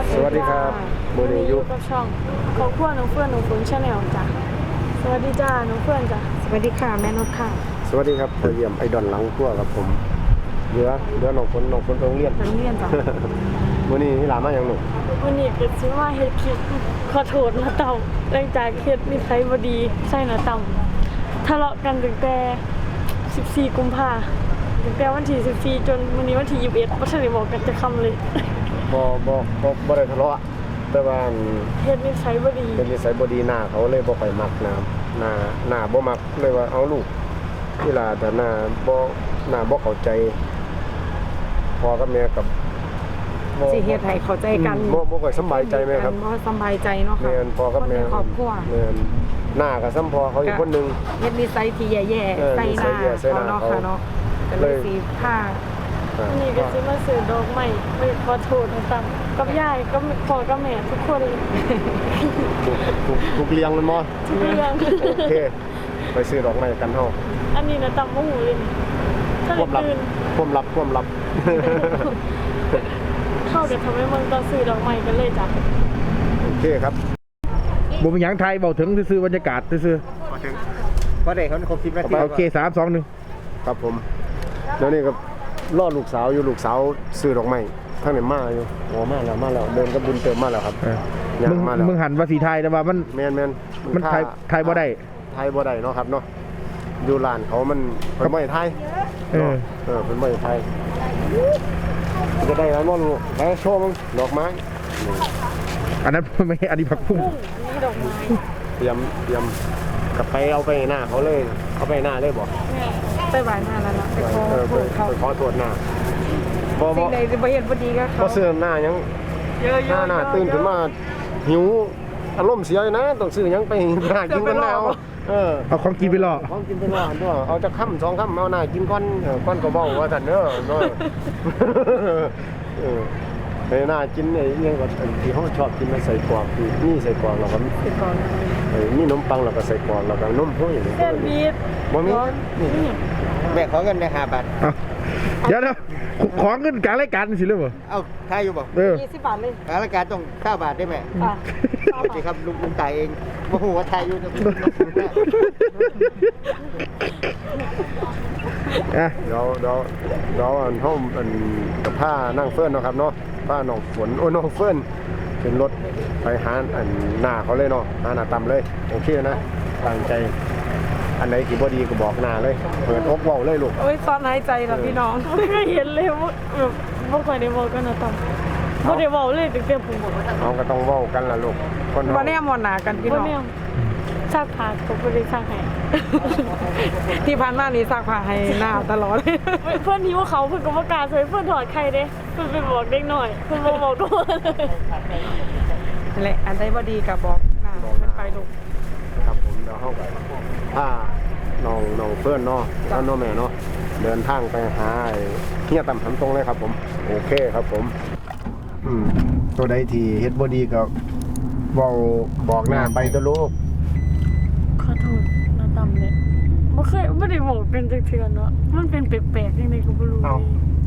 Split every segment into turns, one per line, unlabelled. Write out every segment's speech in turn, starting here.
สวัสดีครับมือนี้อยู่
กับช่องครอบครัวน้องเฟื่อนน้องฝนชาแนลจ้ะสวัสดีจ้าน้องเฟื่อนจ้ะ
สวัสดีค่ะแม่นกค่ะ
สวัสดีครับพอเยี่ยมไอดอนหลังขั้วครับผมเหลือน้องฝนไปโรงเรียน
น้ำเรียนจ้ะ
มื้อนี้นี่หลานมาอย่างหนู
วันนี้ก็สิว่าเฮ็ดคลิปขอโทษนะเต่าหลังจากเฮ็ดนิสัยบ่ดีใส่นะเต่าทะเลาะกันตั้งแต่14กุมภาพันธ์ตั้งแต่วันที่14จนมื้อนี้วันที่21บ่ทันได้บอกกันจะคำเลย
บ่ได้ทะเลาะแต่ว่า
เฮ็ดนิสัยบ่ดี
เป็นนิสัยบ่ดีหน้าเขาเลยบ่ค่อยมักนะหน้าบ่มักเลยว่าเอาลูกที่ล่ะแต่หน้าบ่เข้าใจพ่อกับแม่กับ
สิเฮ็ดให้เข้าใจกัน
บ่ค่อยสบายใจไหมครับ
บ่สบายใจเนาะค่ะ
แม่นพ่อกับแม่
คนในครอบครัว
แม่นหน้าก็ซ้ำพ่อเขาอีกคนนึง
เฮ็ดนิสัยที่แย่ๆใส่หน้า
ใส่หน้า
เขาเนาะ
เขา
ค่ะเนาะก็เลยสิพา
วันนี้ก็สิมาซื้อดอกไม้ไปขอโทษนะเต่ากับยายกับพ่อกับแม่ทุกคนเลย
ถูกเลี้ยงมันบ่
ทุกเรื่อง
โอเคไปซื้อดอกไม้กันเฮา
อันนี้นะตำมะหูเลยถ้า
ความลับ
ตื่น
ความลับ
เข้ากับทำให้เมืองตอนซื้อดอกไม้กันเลยจ้ะ
โอเคครับ
บ่เป็นหยังไทยเบาถึงซื่อๆบรรยากาศซื่อ
พอได้เขาครบ10นาที
ๆโอเค3 2 1
ครับผมแล้วนี่ก็รอลูกสาวอยู่ลูกสาวซื้อดอกไม้ข้างในมาอยู่โอ้มาแล้วเดินกับบุญเติมมาแล้วครับยัง
มึง
มาแล้ว
มึงหันว่าสีไทยแต่ว่ามัน
แม่น
มันไทยบ่ได้
ไทยบ่ได้เนาะครับเนาะอยู่ร้านเขามันเพิ่นบ่ให้ไทย
เออ
เพิ่นบ่ให้ไทยจะได้แล้วบ่ลูกแล้วโชว์มึงดอกไม้
อันนั้นไม่อันนี้ผักพุ่ง
กุ้งอันนี้ดอกไม้
เตรียมกลับไปเอาไปหน้าเขาเลยเอาไปหน้าเลยบ่
แม่
ไปไหว้มาแล้วเนาะไปขอ
ไป
โทษเขา
ขอโทษหน้าบ่
สิ่งใดสิบ่เฮ็ดบ่ดีกับเขา
บ่ซื้อหน้ายัง
เยอะๆ
หน้าตื่นขึ้นมาหิวอารมณ์เสียอยู่นะต้องซื้อหยังไปหน้ากินกันแล้ว
เอาของกินไปล่อ
ของกินไปรอด้วยเอาจะค่ำ2 ค่ำเอาหน้ากินก้อนก้อนก็เว้าว่าซั่นเด้อเนาะไปหน้ากินไอ้ยังก็ที่เขาชอบกินมันใส่กรอกนี่ใส่กรอกแล้วก็
ไปก่อน
มีนมปังแล้วก็ใส่กรอกแล้วก็นมห้วยนี่
เส้นบีด
บ่มี
นี่
แม่ขอเงินได้5 บาท
เอาเดี๋ยวของเงินกลางรายการสิเรื่องบ่
เอาทายอยู่บ่
20 บาทเลย
ทางรายการต้อง9 บาทได้ไหม
อ่ะ
โอเคครับลุงตายเองโอ้โหทายอยู่จะ
อ่ะ
เดี๋ยวอันห้องอันกับผ้านั่งเฟิร์นเนาะครับเนาะผ้าน้องฝนโอ้น้องเฟิร์นเป็นรถไปหาอันหน้าเขาเลยเนาะหาหน้าต่ำเลยโอเคนะตั้งใจอันไหนกี่บ่ดีก็บอกหน้าเลยเปิดอกเว้าเลยลูก
โอ้ยตอนหายใจล่ะพี่น้อง
ไม่เคยเห็นเลยว่าแบบบ่ค่อยได้บอกกันนะตำบ่ได้บอกเลยตั้งแต่ผมบอกว่า
เอาก็ต้องเว้ากันล่ะลูกคน
บ่แน่มอนหน้ากันพี่
บ่
น้อง
แม่นซักผ้าก็บ่ได้ซักให้
ที่ผ่านมานี่ซักผ้าให้หน้าตลอด
เพื่อนหิวเขาเพื่อนก็บ่กล้าช่วยเพื่อนถอดไข่เด้เพื่อนไปบอกเด็กหน่อยเพื่อนบ่บอกตัวเลย
นั่นแหละอันใดบ่ดีก็บอกหน้ามันไปลูก
ครับผมเดี๋ยวเฮาก็ผ้าน้องเฟิร์นเนาะแล้วน้องแม่เนาะเดินทางไปหาไอ้เฮียต่ำทำตรงเลยครับผมโอเคครับผมตัวใดที่เฮ็ดบ่ดีก็เว้าบอกหน้าไปตัวลูก
ขอโทษนะตำเลยบ่ได้บอกเป็นจักเทื่อเนาะมันเป็นแปลกๆจังได๋ก็บ่รู้
เอา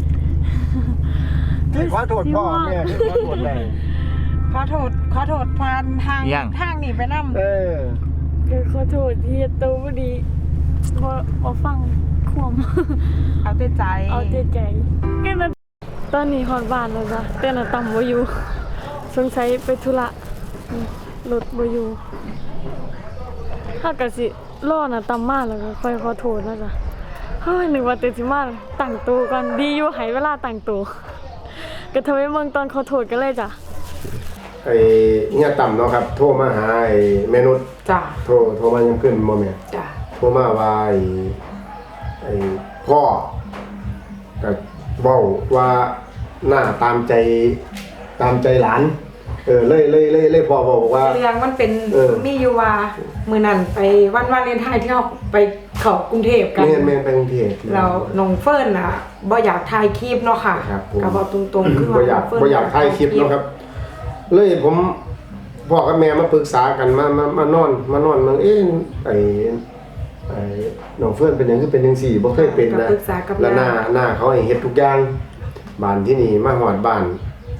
ขอโทษพ่อแม่ขอโทษแม่
ขอโทษผ่านทางนี่ไปนำ
ก็ขอโทษที่เฮ็ดตัวบ่ดีบ่ฟังความ
เอาแต่ใจ
เอาใจก็นะตอนนี้ฮอดบ้านแล้วจ้ะแต่น่ะตำบ่อยู่สงสัยไปธุระรถบ่อยู่ถ้าก็สิรอน่ะตำมาแล้วก็ค่อยขอโทษนะจ๊ะเฮ้ยนึกว่าแต่สิมาตั้งตัวก่อนดีอยู่ให้เวลาตั้งตัวก็ทำให้เมืองตอนขอโทษกันเลยจ้ะ
ไอ้เฮียต่ำเนาะครับโทรมาหาไอ้แม่นุช
จ้ะ
โทรมายังขึ้นบ่แม่
จ้ะ
โทรมาว่าไอ้พ่อก็เว้าว่าหน้าตามใจหลานเลยพ่อบอกว่า
เรื่องมันเป็นมีอยู่ว่ามื้อนั้นไปวันวาเลนไทน์ที่เฮาไปเข้ากรุงเทพกัน
แม่นไปกรุงเทพ
แล้วน้องเฟิร์นน่ะบ่อยากถ่ายคลิปเนาะค่ะ
ครับผม
ก็บอกตรงๆคือ
บ่อยากถ่ายคลิปเนาะครับ เลยผมพ่อกับแม่มาปรึกษากันมานอนมันไอ้น้องเฟิร์นเป็นหยังคือเป็นจังซี่บ่เคยเป็นนะ
ปรึกษากับ
แล้วหน้าเขาให้เฮ็ดทุกอย่างบ้านที่นี่มาฮอดบ้าน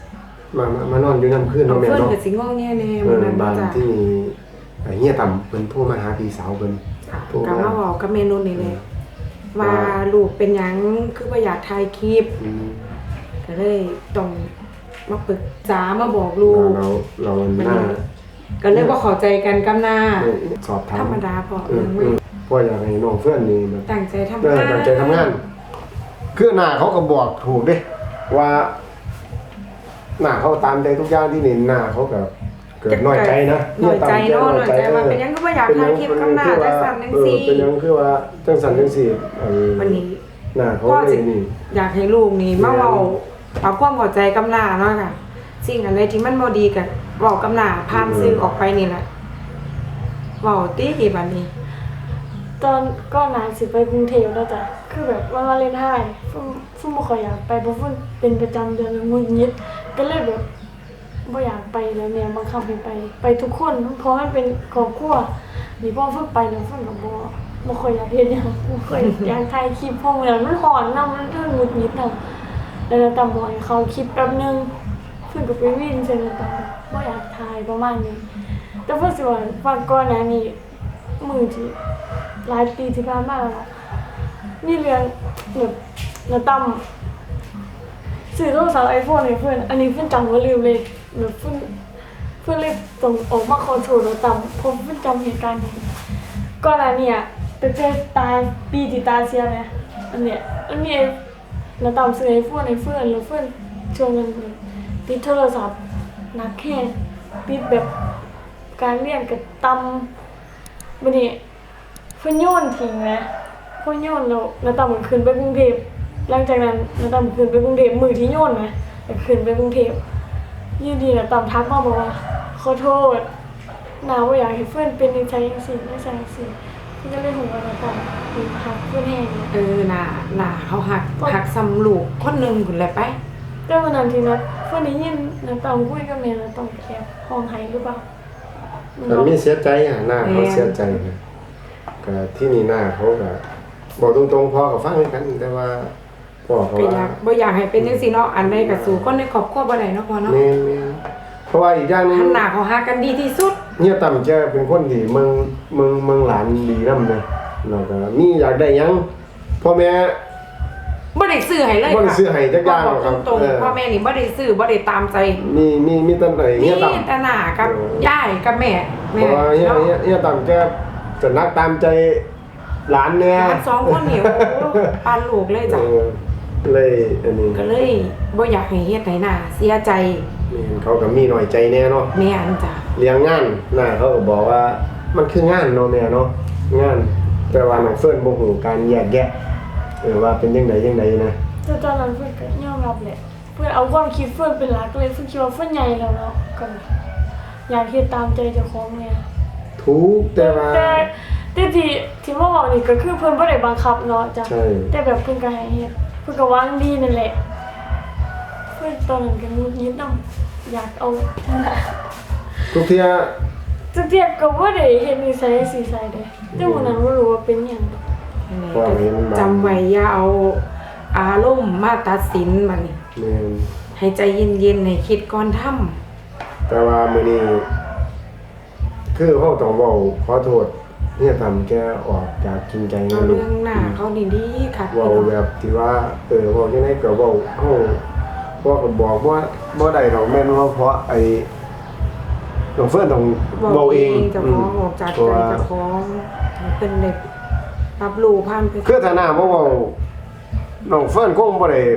มานอนอยู่นำคืน
น้อ
เนาะ
ง
แม่
เฟิร์น
เนาะ
ก็สิงอแงแน่มื้อนั้น
บ้าน
จ้ะ
ที่เฮียต่ำเพิ่นโทรมาหาพี่สาวเพิ่นโทร
ก็
มา
มาบอกกับเมนูนี่แหละว่าลูกเป็นหยังคือบ่อยากถ่ายคลิป
อืม
ก็เลยต้องมาปรึกษามาบอกลูก
เรา
มัน
หน้า
ก็เลยบ่เข้าใจกันกับหน้า
สอบถาม
ธรรมดาพอ
เพราะอยากให้น้องเพื่อนนี่แบบ
ตั้งใจทำ
เออง
าน
ตั้งใจทำงาน คือหน้าเขาก็บอกถูกเด้ว่าหน้าเขาตามใจทุกอย่างที่นี่หน้าเขาก็เกิดน้อยใจนะ
น้อยใจเนาะน้อยใจว่าเป็นหยังก็บ่อยากถ่ายคลิปกับหน้าจังซั่นจังซี่
เป็นหยังคือว่าจังสันจังซี่
วันนี้
หน้าเขา
พ่อ
เล
สิ
ยนี่
อยากให้ลูกนี่มาเว้าเอาความเข้าใจกับหน้าเนาะค่ะสิ่งอะไรที่มันบ่ดีก็เว้ากับหน้าผ่านสื่อออกไปนี่แหละเว้าติบัดนี้
ตอนก่อนหน้าสิไปกรุงเทพแล้วจ้ะคือแบบวันวาเลนไทน์ฟุ่มบ่ค่อยอยากไปเพราะฟุ่มเป็นประจำเดือนแล้วงุนงิดก็เลยแบบบ่อยากไปแล้วแม่บังคับให้ไปทุกคนเพราะมันเป็นครอบครัวนี่พอฟุ่มไปแล้วฟุ่มก็บ่ค่อยอยากเฮ็ดหยังบ่ค่อยอยากถ่ายคลิปเพราะเหมือนมันร้อนนำมันงุนงิดนำแล้วตำบ่ให้เขาคลิปแป๊บนึงฟุ่มก็ไปวิ่งใส่แล้วตำบ่อยากถ่ายประมาณนี้แต่ฟุ่มสิว่าฟังก่อนหน้านี้มื้อที่หลายปีที่ผ่านมาแล้วล่ะมีเรื่องแบบน้าตั้มซื้อโทรศัพท์ iPhone ให้เพื่อนอันนี้เพื่อนจำว่าลืมเลยแบบเพื่อนเลยต้องออกมาขอโทษน้าตั้มเพราะเพื่อนจำเหตุการณ์นี้ก่อนหน้านี้อ่ะไปเจอตาปีที่ตาเสียไหมอันเนี้ยน้าตั้มซื้อ iPhone ให้เพื่อนแล้วเพื่อนชวนกันติดโทรศัพท์หนักแค่ติดแบบการเรียนกับตั้มบัดนี้เพิ่นโยนทิ้งนะเพิ่นโยนแล้วน้าตั้มก็ขึ้นไปกรุงเทพหลังจากนั้นน้าตั้มขึ้นไปกรุงเทพมื้อที่โยนนะก็ขึ้นไปกรุงเทพอยู่ดีน้าตั้มทักมาบอกว่าขอโทษน้าบ่อยากให้เพิ่นเป็นจังซี่จังซี่เพิ่นก็เลยฮู้ว่าน้าตั้มฮักเพิ่นแฮงนะ
น่าเขาหักซ้ำลูกคนหนึงพุ่นแหละไป
แต่วันนั้นที่เพิ่นได้ยินน้าตั้มคุยกับแม่น้าตั้มก็แอบร้องไห้หรือเปล่า
แต่มีเสียใจอ่ะหน้าเขาเสียใจนะก็ที่นี่หน้าเขาก็บอกตรงๆพ่อก็ฟังเหมือนกันแต่ว่าพ่อเขา
ก็อ
ว่าย
ากบ่อยากให้เป็นจังซี่เนาะอันใดก็สู่คนในครอบครัวบ่ได้เนาะพ่อเนาะ
แม่นเพราะว่าอีกอย่างหนึง
หันหน้าเขาหากันดีที่สุด
เฮียต่ำจะเป็นคนที่เมืองหลานดีนำนะแล้วก็มีอยากได้หยังพ่อแม่
บ่ได้ซื้อให้เลย
บ่ได้ซื้อให้จักอย่างหรอกครับ
ตรง
เออ
ๆพ่อแม่นี่บ่ได้ซื้อบ่ได้ตามใจ
มีตั้งแต่เฮี
นี่
ยต่ำ
แต่หน้ากับยายกับแม่
เพราะว่าเฮียต่ำจะนักตามใจหลานเนี่ย
หลานสองคนนี่โอ้ปานลูกเลยจ้ะ
เลยอันนี้
ก็เลยบ่อยากให้เฮ็ดให้หน้าเสียใจ
นี่เขาก็มีหน่อยใจแน่เนาะ
แม่นจ้ะ
เลี้ยงงานน่ะเขาก็บอกว่ามันคืองานเนาะแม่เนาะงานแต่ว่าน้องเฟิร์นบ่ฮู้การแยกแยะว่าเป็นจังไดนะ
แต่ตอนนั้นเพื่อนก็ยอมรับแหละเพื่อนเอาความคิดเพื่อนเป็นหลักเลยเพื่อนคิดว่าเพื่อนใหญ่แล้วเนาะก็อยากเฮ็ดตามใจเจ้าของเนี่ย
ถูกแต่ว่า
แต่ที่มาบอกนี่ก็คือเพื่อนบ่ได้บังคับเนาะจ้ะ
ใช่
แต่แบบเพื่อนก็ให้เฮ็ดเพื่อนก็วางดีนั่นแหละเพื่อนตอนนั้นก็งุนงิดนำอยากเอานั่นแหละ
ทุกเที่ย
จักเทียบก็บ่ได้เฮ็ดนิสัยสิใส่เด้แต่วันนั้นบ่รู้ว่าเป็นหยัง
จำไว้อย่าเอาอารมณ์มาตัดสินมันนี่
แม่น
ให้ใจเย็นๆให้คิดก่อนทำ
แต่ว่ามื้อนี้คือเขาต้องเว้าขอโทษเนี่ยทำแกออกจากจริงใจ
เอา
นะลู
เรื่
ก
องหน้าเขาดีๆค่ะ
เว้าแบบที่ว่าเว้าจังได๋ก็เว้าเฮาพ่อก็บอกว่าบ่ได้ดอกแม่นว่าเพราะไอ้น้องเฟิร์นต้องเว้าเอง
เจ้าของออกจากใจเจ้าของให้เป็นเด็กรับรู้ผ่านไป
คือถ้าหน้าบ่เว้าน้องเฟิร์นคงบ่ได้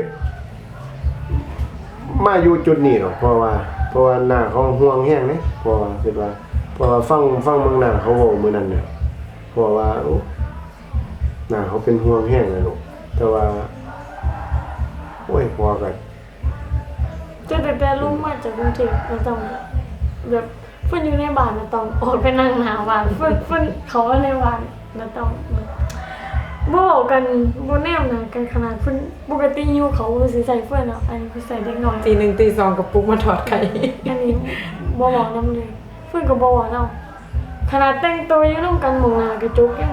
มาอยู่จุดนี้หรอกเพราะว่าหน้าเขาห่วงแฮงเด้เพราะว่าคิดว่าเพราะว่าฟังเมืองหน้าเขาเว้ามื้อนั้นน่ะเพราะว่าโอ้หน้าเขาเป็นห่วงแฮงเลยลูกแต่ว่าโอ้ยพอก็
แต่ลุงมาจากกรุงเทพแล้วต้องแบบเพิ่นอยู่ในบ้านแล้วต้องออกไปนั่งหน้าบ้านเพิ่นเขาว่าในบ้านแล้วต้องบ่เว้ากันบ่แนมหน้ากันขนาดเพิ่นปกติอยู่เขาสิใส่เพิ่นเนาะอันนี้เพิ่นใส่เด็กน้อย
ตี 1ตี2กับปุกมาถอดไข่
อันนี้บ่เว้านำเลยเพิ่นก็บ่เว้านำขนาดแต่งตัวอยู่นำกันหม้องหน้ากระจกยัง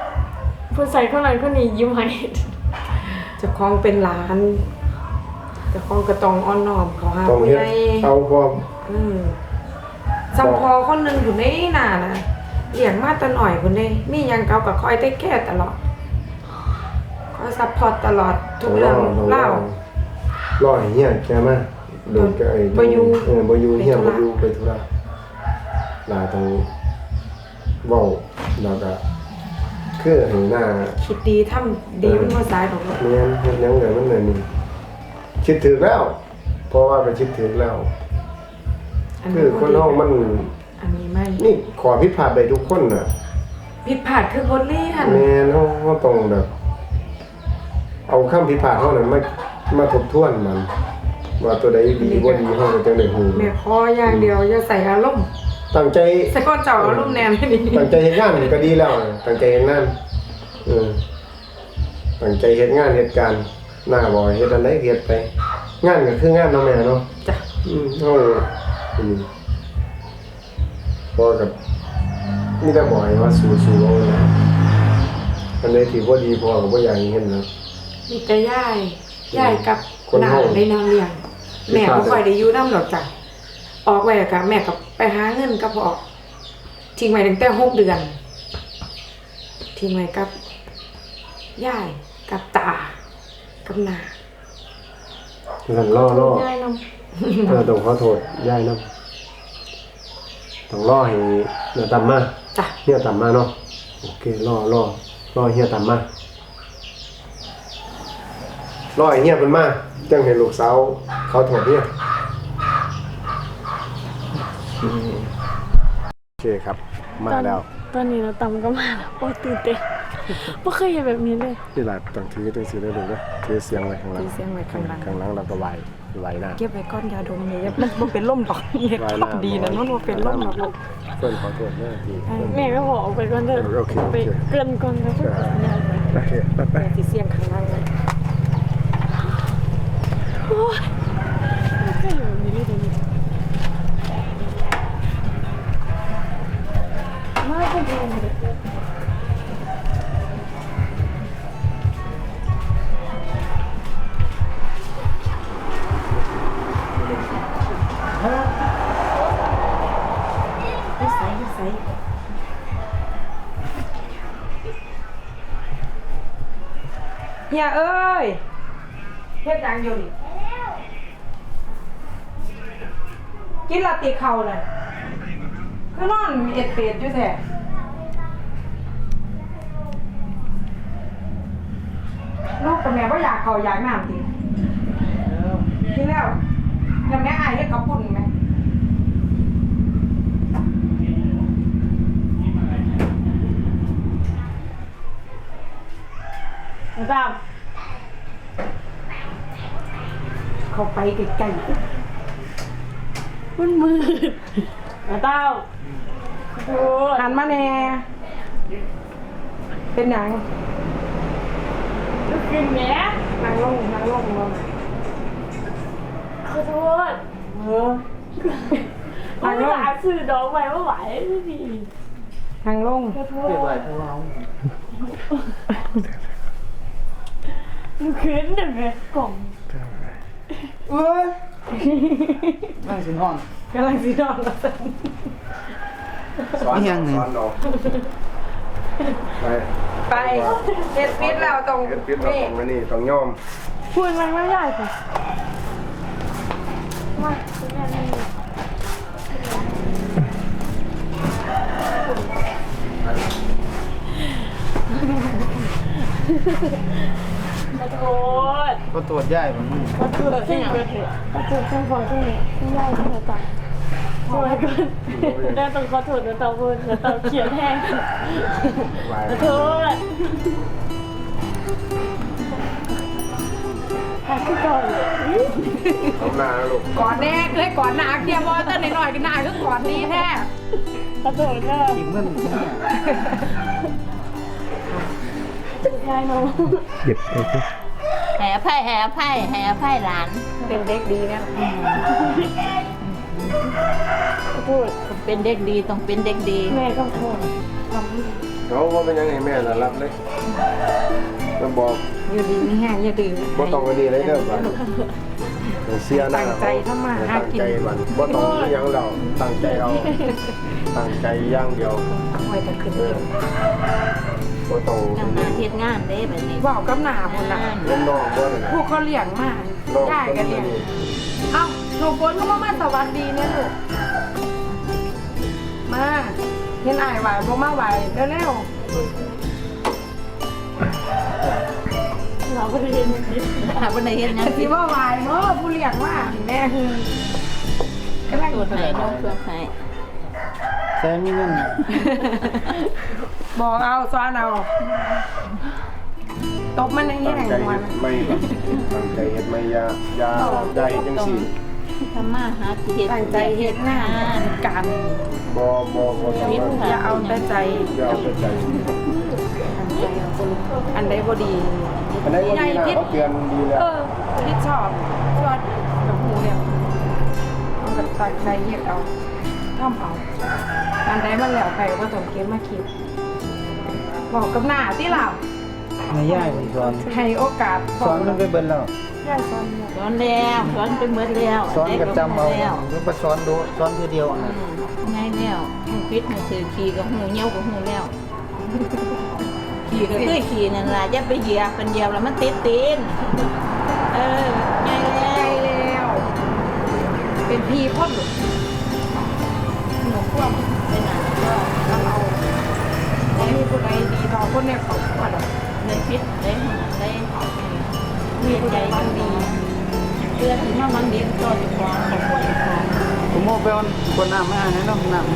เพิ่นใส่คนนั้นคนนี้ยิ้มให้
เจ้าของเป็นหลาน แแต่ของกระตองอ่อนน้อมเขาหา
ต้อง
ผู้
เฮ็ด
ใหญ่
เอาพร้อม
จำพอคนหนึงอยู่ในหน้านะเลี้ยงมาแต่หน่อยพุ่นเด้มีหยังเก่าก็คอยได้แก้ตลอดคอยซัพพอร์ตตลอดทุกเรื่องเล่าร
อให้เฮียแกมาโดนแกไอ้
บ่อยู่
บ่อยู่เฮีย
ไปธุ
บ่
ระ
อยู่ไปธุระลาต้องเว้าแล้วก็คือให้หน้า
คิดดีทำดีมันบ่สายดอกเนาะ
แม่นเฮ็ดหยังได้มันเลยนี่คิดถึกแล้ว เพราะว่าก็คิดถึกแล้ว คือคนเฮามัน
อันนี้ไม่
นี่ขอผิดพลาดได้ทุกคนน่ะ
ผิดพลาดคือบทเรียน
แม่นเฮาต้องแบบ เอาคำผิดพลาดเฮานั้นมาทบทวนมัน ว่าตัวใดดีบ่ดีเฮาก็จังได้ฮู้
แม่ขออย่างเดียวอย่าใส่อารมณ์
ตั้งใจ
ใส่ก้อนเจ้าอารมณ์แนมให้ดี
ตั้งใจเฮ็ดงานนี่ก็ดีแล้วตั้งใจเฮ็ดงานตั้งใจเฮ็ดงานเฮ็ดการหน้าบ่เฮ็ดอันใดเฮ็ดไป งานก็คืองานเนาะแม่เนาะ
จ้ะ
เฮาพอกับมีแต่บ่ให้ว่าสู้ๆเอานะอันใดที่บ่ดีพอก็บ่อยากให้เฮ็ดนะ
มีแต่ย่ายกับ
คน
หน้า
เฮา
ได้นอนเลี้ยง แม่บ่ค่อยได้อยู่นำดอกจ้ะออกไว้ก็แม่ก็ไปหาเงินก็บ่ออกทิ้งไว้ตั้งแต่6 เดือน ทิ้งไว้กับย่ายกับตากับน้า
สั่นรอ
ง่ายนำ
ต้องขอโทษยายนำต้องรอให้เฮียตามมา
จ้ะ
เฮียตามมาเนาะโอเครอเฮียตามมารอให้เฮียเพิ่นมาจังให้ลูกสาวเขาโทษเฮียโอเคครับ มาแล้ว
ตอนนี้เราตำก็มาแล้วโอ้ตื่นเต้นบ่เคยเห็นแบบนี้เลย
นี่ล่ะต้องถือจังซี่ได้ลูกเด้อถือเสียงไว้ข้างหลัง
ถือเสียงไว้ข้างหลัง
ข้างหลังแล้วก็ไหวหน้า
เก็บไว้ก้อนยาดมนี่มันบ่เป็นลมดอกนี่ของดีนะมันบ่เป็นลมดอกลูก
เพิ่นขอโทษเด้อที่เพิ่น
แม่ก็บอกออกไปก่อนเถอะ
โอเค
ไปเกินก่อนนะเพื่อน
โอเคไป
แม่สิเสียงข้างล่างเลย
โอ้ยไม่เคยเห็นแบบนี้เลยเดี๋ยวนี้มาเป็นเองเลย
นิสัยเฮียเอ้ยเฮ็ดหยังอยู่นี่กินลาติเข่าน่ะคือนอนเอ็ดเป็ดอยู่แท้ลูกกับแม่บ่อยากเข้าอยากน้ำติกินแล้วแล้วแม่อายเฮ็ดกับปุ่นไหม
มาตาม
เข้าไปใกล้
มันมืดมาตามโอ้ย
ๆหันมาแน่เป็นหยัง
ลูกกินแหม
นั่งลงลง
ขอโทษ
เออ
มันไม่หาสื่อดอกไม้ไม่ไหวไม่ดี
นั่งลง
ขอโทษลูกขึ้นเดี๋ยวแม่กล่อง
เอ้ย
นั่งสินอน
กำลังสินอนแล้วสัน
สอน
ยังไง
สอนน้องไป
ไปเฮ็ดปิดแล้วตรง
เฮ็ดปิดเราต้องไว้นี่ต้องยอม
พูดมันไม่ใหญ่ค่ะมาคุณแม่นี่ขอโทษ
ก็ตรวจย่ายผม
ขอโทษที่เกิดเหตุขอโทษทั้งพ่อทั้งแม่ทั้งยายทั้งตาช่วยกันได้ต้องขอโทษนะเต่าพูดนะเต่าเขียนแห้งขอโทษหาที่ก่อนเลย
เอาหน้านะลูก
ก่อนแน่เลยก่อนหนาเกียร์บอลเต้นหน่อยๆก็หนาคือก่อนนี้แท้
ขอโทษนะ
อีกเมื่อไหร่เนี่ย
ยายน้อง
เจ็บไปสิ
แห่ไพ่หลาน
เป็นเด็กดีนะ
ขอโทษ
เป็นเด็กดีต้องเป็นเด็กดี
แม่ก็ขอโทษ
เขาว่าเป็นยังไงแม่น่ะรับเลยมาบอก
อยู่ดีไม่แห้งอย่าดื้อ
บ่ต้องกันดีเลยเด้อบัดเสียหน้า
ตั้งใจทำมาหากิน
ตั้งใจวันบ่ต้องมีหยังเราตั้งใจเอาตั้งใจอย่างเดียว
ไว้แต่ขึ้น
เอ
เดี
อ
ยว
บ่ต้อง
ทำงานเฮ็ดงานเด้แบบนี้
บอกกับหน้าพุ่นน่ะ
เล่นน้องบ่นั่น
พว
น่ะ
กเขาเลี้ยงมา
น้อง
ได้
คน
กัน
นี้
เลี้ยงเอ้าหนูฝนก็มาสวัสดีเนี่ยลูกมาเห็นอ้ายไหวบ่มาไหวเร็ว
เราก็ได้เฮ็ดหาบ่ได้เฮ็ดหยัง
ๆสิว่าไหวเนาะผู้เลี้ยงมาแม่คือกำลัง
ตรวจให้น้องตรวจให้
แซมมีเงิน
บอกเอาซ้อนเอาตบมันอย่างนี้
ตั้ง
แหละ
ใจ
หัว
เฮ็ดไม่ครับตั้งใจเฮ็ดไม่อย่าเฮ็ดจังซี่
ทำมาหากิน
ตั้งใจเฮ็ดงานกัน
บ่ต้องว่า
อย่าเอาแต่ใจ
อย่าเอาแต่ใจ
อันใดบ่ดี
อันไหนบ่ดีนะเขาเตือนดีแล้ว
ที่ชอบกับหูเนี่ยเอาแต่ตั้งใจเฮ็ดเอาทำเอาอันใดมันแล้วไปก็ต้องเก็บมาคิดบอกกับหน้าที่เรา
ไม่ย่ายผมสอน
ให้โอกาส
สอนมันไปเบิ่นแล้ว
ย่าสอนเนี่ย
สอนแล้วสอนไปหมดแล้ว
สอนก็จำเอา
แล้ว
หรือไปสอนดูสอนทีเดียว
ง่ายแล้วหูปิดหูสื่อขี่กับหูเหี่ยวกับหูแล้วขี่ก็คือขี่นั่นล่ะอย่าไปเหยียบเป็นเหยียบแล้วมันติดตีนง่ายแล้
ใจ
ว
แล้ว เป็นพี่พ่อหนูหนูพ่วง
เป็นหนังก็
ทำเอาไม่มีผู้ใดดีเท่าคนในครอบครัวหรอก
ได้พิษได้หนังได้
มีผู้ใดบ้างดี
เพื่อถึงว่ามันเลี้ยงตัวอยู่ก่อนของคนอยู่ก่อน
ผมโมไปวันคนน้ำมาให้น้องน้ำ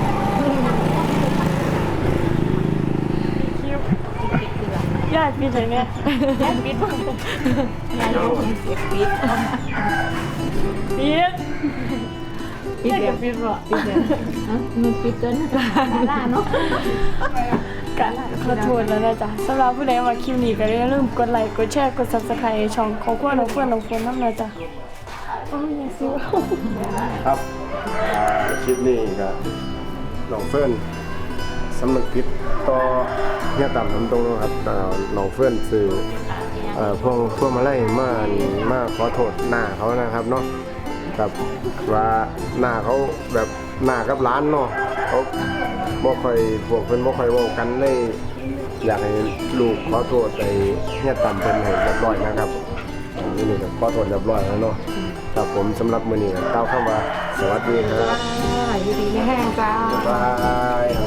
ปิดคือแบบ
ญาติพี่ไหนเนี่ย
แค่ปิดบ้างยายรู้เสียปิด
ปิด
ปิด
ญาติ
เดี๋ย
กั
ว
บปิดบ่
มันปิดเกินลาเนาะ
กันขอโทษแล้วนะจ๊ะสำหรับผู้ใดมาคลิปนี้ก็อย่าลืมกดไลค์กดแชร์กด Subscribe ช่องของพวกน้องเพื่อนน้องฝนน้ำนะจ๊ะโอ้ยอย่าซื้อ
ครับคลิปนี้ก็น้องเฟิร์นสำนึกผิดต่อเฮียต่ำทำตรงนะครับน้องเฟิร์นซื้อพวกมาไล่มาขอโทษหน้าเขานะครับเนาะกับว่าหน้าเขาแบบหน้ากับร้านเนาะเขาบ่ค่อยพวกเพิ่นบ่ค่อยเว้ากันเลยอยากให้ลูกขอโทษไปเฮียต่ำเพิ่นให้เรียบร้อยนะครับนี่ก็ขอโทษเรียบร้อยแล้วเนาะครับผมสำหรับมื้อนี้ก็กล่าวคำว่าสวัสดีครับ
อยู่ดีไม่แห้งจ้า
บ๊ายบาย